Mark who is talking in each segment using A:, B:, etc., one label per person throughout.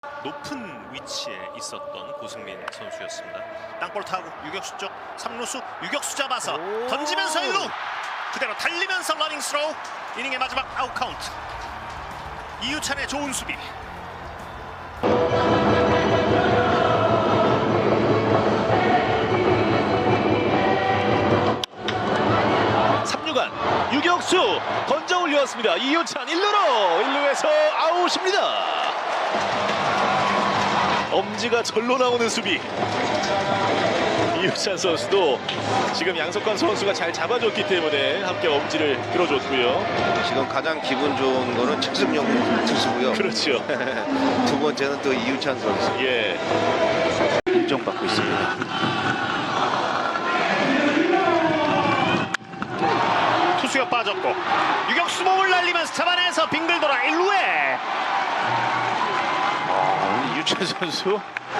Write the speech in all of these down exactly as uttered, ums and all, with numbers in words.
A: 높은 위치에 있었던 고승민 선수였습니다. 땅볼 타고 유격수 쪽 삼 루수 유격수 잡아서 던지면서 일 루 그대로 달리면서 러닝 스로우. 이닝의 마지막 아웃 카운트. 이유찬의 좋은 수비.
B: 삼 루간 유격수 던져 올렸습니다. 이유찬 일 루로 일 루에서 아웃입니다. 엄지가 절로 나오는 수비. 이유찬 선수도 지금 양석환 선수가 잘 잡아줬기 때문에 함께 엄지를 들어줬고요.
C: 지금 가장 기분 좋은 거는 측승용 투수고요.
B: 그렇죠.
C: 두 번째는 또 이유찬 선수.
B: 예. 인정받고 있습니다.
A: 투수가 빠졌고 유격수 몸을 날리면서 잡아내서 빙글 돌아 일 루에.
B: 아, 이유찬 선수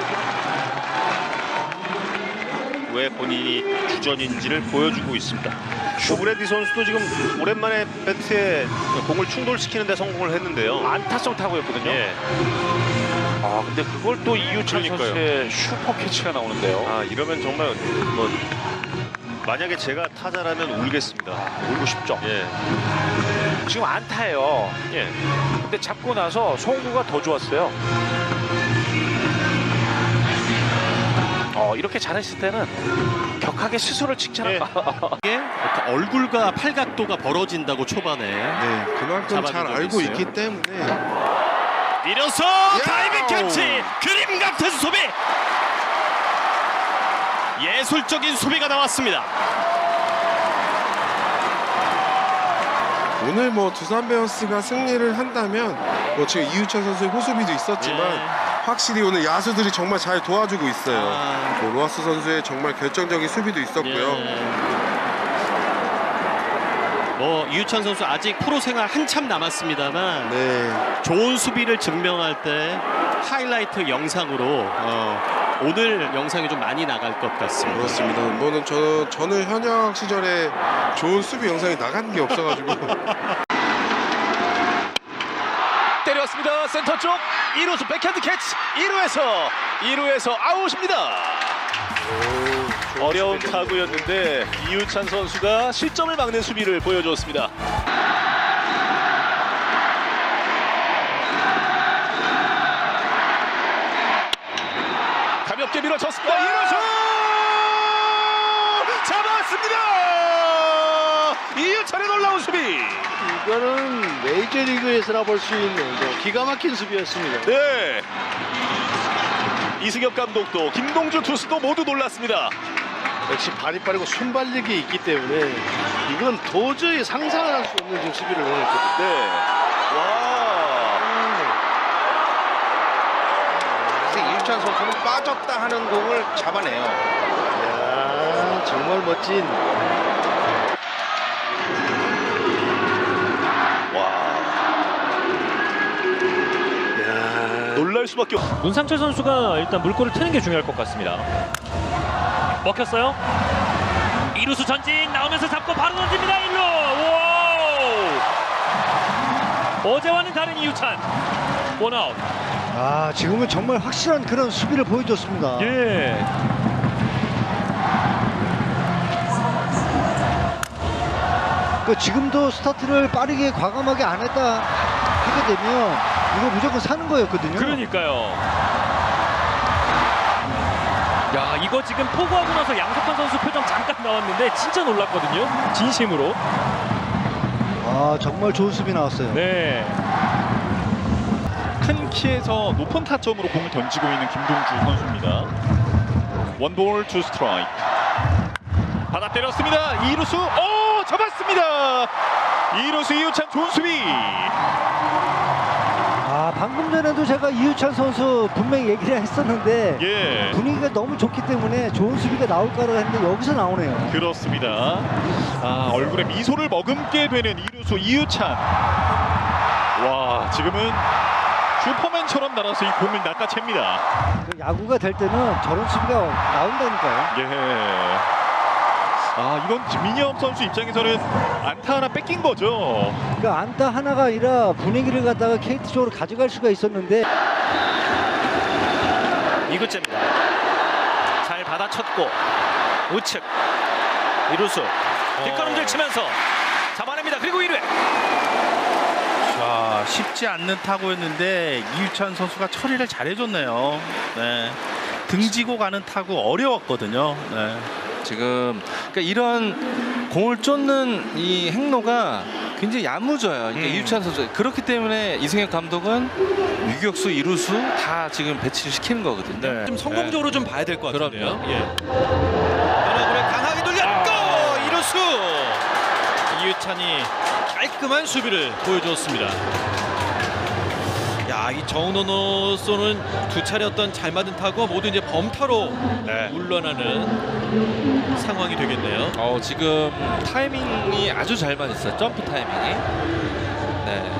A: 왜 본인이 주전인지를 보여주고 있습니다. 슈브레디 선수도 지금 오랜만에 배트에 공을 충돌시키는 데 성공을 했는데요.
B: 안타성 타구였거든요.
A: 예.
B: 아 근데 그걸 또 이유찬
A: 그러니까요.
B: 선수의 슈퍼 캐치가 나오는데요.
A: 아 이러면 정말 뭐 만약에 제가 타자라면 울겠습니다.
B: 울고 싶죠.
A: 예.
B: 지금 안타예요.
A: 예.
B: 근데 잡고 나서 송구가 더 좋았어요. 어, 이렇게 잘했을 때는 격하게 스스로를 칭찬한다.
A: 예. 얼굴과 팔각도가 벌어진다고 초반에.
D: 네, 그만큼 잘
A: 적이
D: 알고
A: 있어요.
D: 있기 때문에
A: 밀어서 다이빙 캐치. 그림 같은 수비. 예술적인 수비가 나왔습니다.
D: 오늘 뭐 두산 베어스가 승리를 한다면 뭐 지금 이유찬 선수의 호수비도 있었지만
A: 예.
D: 확실히 오늘 야수들이 정말 잘 도와주고 있어요.
A: 아.
D: 뭐 로하스 선수의 정말 결정적인 수비도 있었고요.
A: 뭐 이유찬 선수 아직 프로 생활 한참 남았습니다만
D: 네,
A: 좋은 수비를 증명할 때 하이라이트 영상으로 어, 오늘 영상이 좀 많이 나갈 것 같습니다.
D: 그렇습니다. 뭐는 저 저는 현역 시절에 좋은 수비 영상이 나간 게 없어가지고
B: 때렸습니다. 센터 쪽 일 루수 백핸드 캐치. 일 루에서 일 루에서 아웃입니다. 어려운 타구였는데 이유찬 선수가 실점을 막는 수비를 보여줬습니다. 가볍게 밀어쳤습니다. 일 루수 잡았습니다. 이유찬의 놀라운 수비.
E: 이거는 메이저리그에서나 볼 수 있는 기가 막힌 수비였습니다.
B: 네. 이승엽 감독도 김동주 투수도 모두 놀랐습니다.
E: 역시 발이 빠르고 순발력이 있기 때문에 이건 도저히 상상을 할 수 없는 지금 수비를 보냈거든요.
B: 네. 와.
C: 그래서 이유찬 선수는 빠졌다 하는 공을 잡아내요.
E: 이야, 정말 멋진.
B: 놀랄 수밖에 없.
F: 문상철 선수가 일단 물꼬를 트는 게 중요할 것 같습니다. 먹혔어요. 이루수 전진 나오면서 잡고 바로 던집니다. 일 루. 오! 어제와는 다른 이유찬. 원아웃.
G: 아, 지금은 정말 확실한 그런 수비를 보여줬습니다.
F: 예.
G: 그 지금도 스타트를 빠르게 과감하게 안 했다 하게 되면 이거 무조건 사는 거였거든요.
F: 그러니까요. 야, 이거 지금 포구하고 나서 양석환 선수 표정 잠깐 나왔는데 진짜 놀랐거든요. 진심으로.
G: 아, 정말 좋은 수비 나왔어요.
F: 네.
H: 큰 키에서 높은 타점으로 공을 던지고 있는 김동주 선수입니다. 원볼 투 스트라이크. 받아 때렸습니다. 이루수 오 잡았습니다. 이루수 이유찬 좋은 수비.
G: 아, 방금 전에도 제가 이유찬 선수 분명히 얘기를 했었는데
H: 예,
G: 분위기가 너무 좋기 때문에 좋은 수비가 나올 거라고 했는데 여기서 나오네요.
H: 그렇습니다. 아, 얼굴에 미소를 머금게 되는 이루수 이유찬. 와, 지금은 슈퍼맨처럼 날아서 이 공을 낚아챕니다.
G: 그 야구가 될 때는 저런 수비가 나온다니까요.
H: 예. 아, 이건 김민엽 선수 입장에서는 안타 하나 뺏긴 거죠.
G: 그러니까 안타 하나가 아니라 분위기를 갖다가 케이티 쪽으로 가져갈 수가 있었는데
B: 구째입니다. 잘 받아쳤고 우측 이루수 뒷걸음질 치면서 잡아냅니다. 그리고 일 회
E: 자, 쉽지 않는 타구였는데 이유찬 선수가 처리를 잘해줬네요. 네. 등지고 가는 타구 어려웠거든요. 네.
C: 지금 그러니까 이런 공을 쫓는 이 행로가 굉장히 야무져요. 그러니까
B: 음.
C: 이유찬 선수 그렇기 때문에 이승엽 감독은 유격수, 이루수 다 지금 배치를 시키는 거거든요.
B: 네.
H: 좀 성공적으로 좀 봐야 될 것 같은데요.
C: 그럼요.
H: 예.
B: 변화구를 강하게 돌렸고 이루수
H: 이유찬이 깔끔한 수비를 보여주었습니다. 야, 이 정은호로서는 두 차례 어떤 잘 맞은 타구가 모두 이제 범타로 물러나는 상황이 되겠네요.
C: 어, 지금 타이밍이 아주 잘 맞았어요. 점프 타이밍이. 네.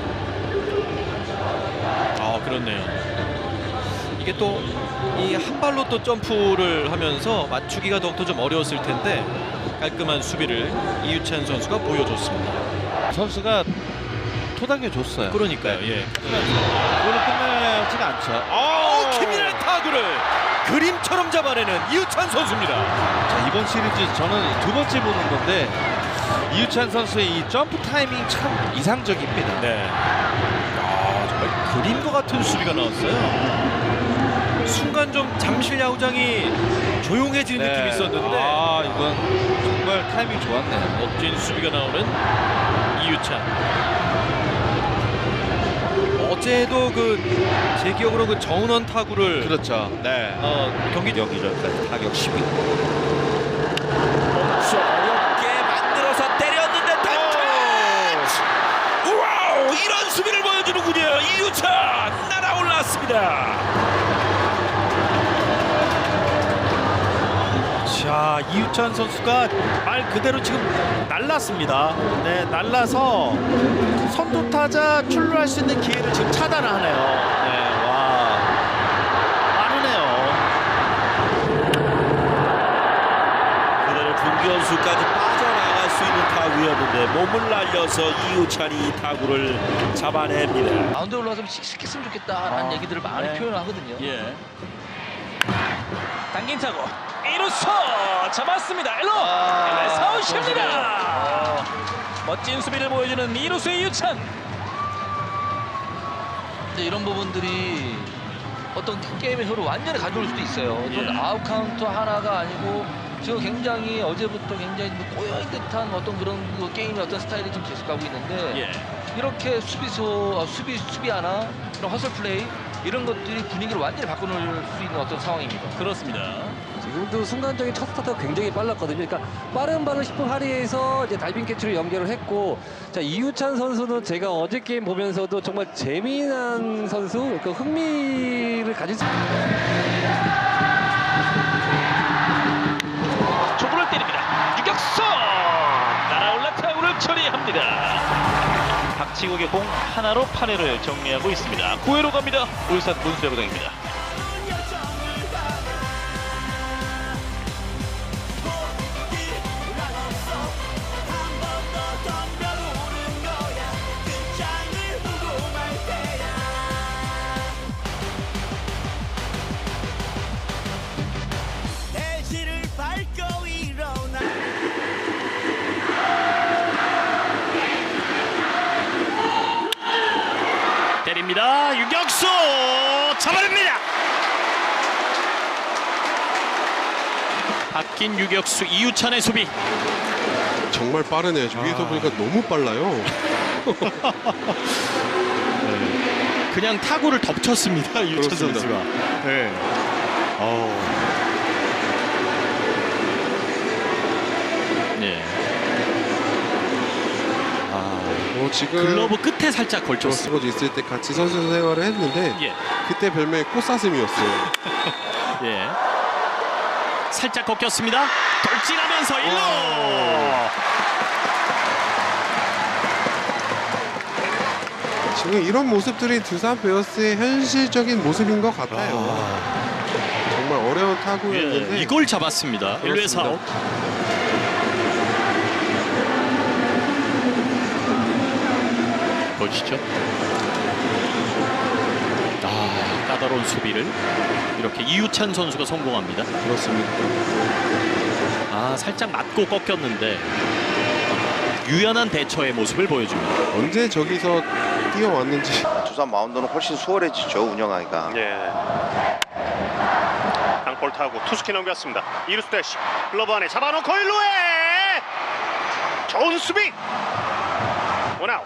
H: 아, 그렇네요. 이게 또 이 한 발로 또 점프를 하면서 맞추기가 더욱더 좀 어려웠을 텐데 깔끔한 수비를 이유찬 선수가 보여줬습니다.
C: 선수가 토닥여 줬어요.
H: 그러니까요. 예.
C: 그걸로 끝나지가 않죠.
H: 아, 김민환 타구를 그림처럼 잡아내는 이유찬 선수입니다.
C: 자, 이번 시리즈 저는 두 번째 보는 건데 이유찬 선수의 이 점프 타이밍 참 이상적입니다.
H: 네. 아, 정말 그림과 같은 수비가 나왔어요. 순간 좀 잠실 야구장이 조용해지는 느낌이 있었는데
C: 아, 이건 정말 타이밍 좋았네요.
H: 멋진 수비가 나오는 이유찬. 어제도 그 제 기억으로 그 정은원 타구를
C: 그렇죠. 네.
H: 어, 경기 여기저기까지 타격 시비.
B: 어렵게 만들어서 때렸는데 타치! 우와우 이런 수비를 보여주는군요. 이유찬 날아올랐습니다.
E: 자, 이유찬 선수가 말 그대로 지금 날랐습니다. 네, 날라서 선두 타자 출루할 수 있는 기회를 지금 차단을 하네요. 네, 와, 빠르네요.
B: 그대로 중견수까지 빠져나갈 수 있는 타구였는데 몸을 날려서 이유찬이 이 타구를 잡아냅니다.
I: 마운드에 올라가서 씩씩했으면 좋겠다라는 얘기들을 많이 표현하거든요.
F: 예. 당긴 타고 이루수 잡았습니다. 일루
I: 아,
F: 사우십니다. 멋진 수비를 보여주는 이루수의 이유찬.
I: 이제 이런 부분들이 어떤 게임의 흐름을 완전히 가져올 수도 있어요.
F: 예.
I: 또 아웃 카운트 하나가 아니고 지금 굉장히 어제부터 굉장히 꼬여있는 듯한 어떤 그런 그 게임의 어떤 스타일이 좀 계속가고 있는데
F: 예.
I: 이렇게 수비수 어, 수비 수비 하나 그런 허슬 플레이 이런 것들이 분위기를 완전히 바꿔놓을 수 있는 어떤 상황입니다.
F: 그렇습니다.
J: 지금도 순간적인 첫 스타트가 굉장히 빨랐거든요. 그러니까 빠른 발을 십 분 할애해서 이제 다이빙 캐치로 연결을 했고, 자 이유찬 선수는 제가 어제 게임 보면서도 정말 재미난 선수, 그 흥미를 가질 수.
F: 초구를 때립니다. 유격수 날아올라 타구를 처리합니다. 박치국의 공 하나로 팔 회를 정리하고 있습니다. 구 회로 갑니다. 울산 문수야구장입니다. 때립니다. 유격수 잡아냅니다. 바뀐 유격수 이유찬의 수비.
D: 정말 빠르네요. 위에서 보니까 너무 빨라요.
H: 그냥 타구를 덮쳤습니다. 이유찬
D: 그렇습니다.
H: 선수가. 네. 어.
F: 네.
D: 어, 지금
H: 글러브 끝에 살짝 걸쳤어요.
D: 저스버즈 있을 때 같이 선수 생활을 했는데
F: 예.
D: 그때 별명이 꽃사슴이었어요.
F: 예. 살짝 꺾였습니다. 돌진하면서 일 루.
D: 지금 이런 모습들이 두산 베어스의 현실적인 모습인 것 같아요. 정말 어려운 타구였는데
H: 예, 이걸 잡았습니다. 일 루에서 아웃. 보시죠. 아,
A: 까다로운 수비를 이렇게 이유찬 선수가 성공합니다.
D: 그렇습니다.
A: 아, 살짝 맞고 꺾였는데 유연한 대처의 모습을 보여줍니다.
D: 언제 저기서 뛰어왔는지.
K: 두산 마운드는 훨씬 수월해지죠, 운영하기가.
A: 예. 땅볼 타고 투스키 넘겼습니다. 이루스 대시 글러브 안에 잡아놓고 일루에 좋은 수비. 원아웃.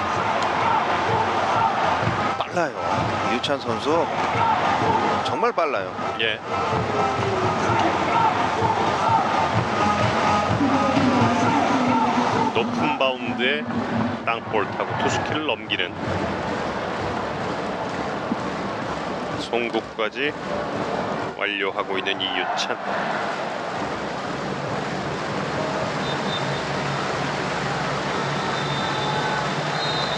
K: 빨라요. 이유찬 선수 정말 빨라요.
A: 예. 높은 바운드에 땅볼 타고 투스키를 넘기는 송구까지 완료하고 있는 이유찬.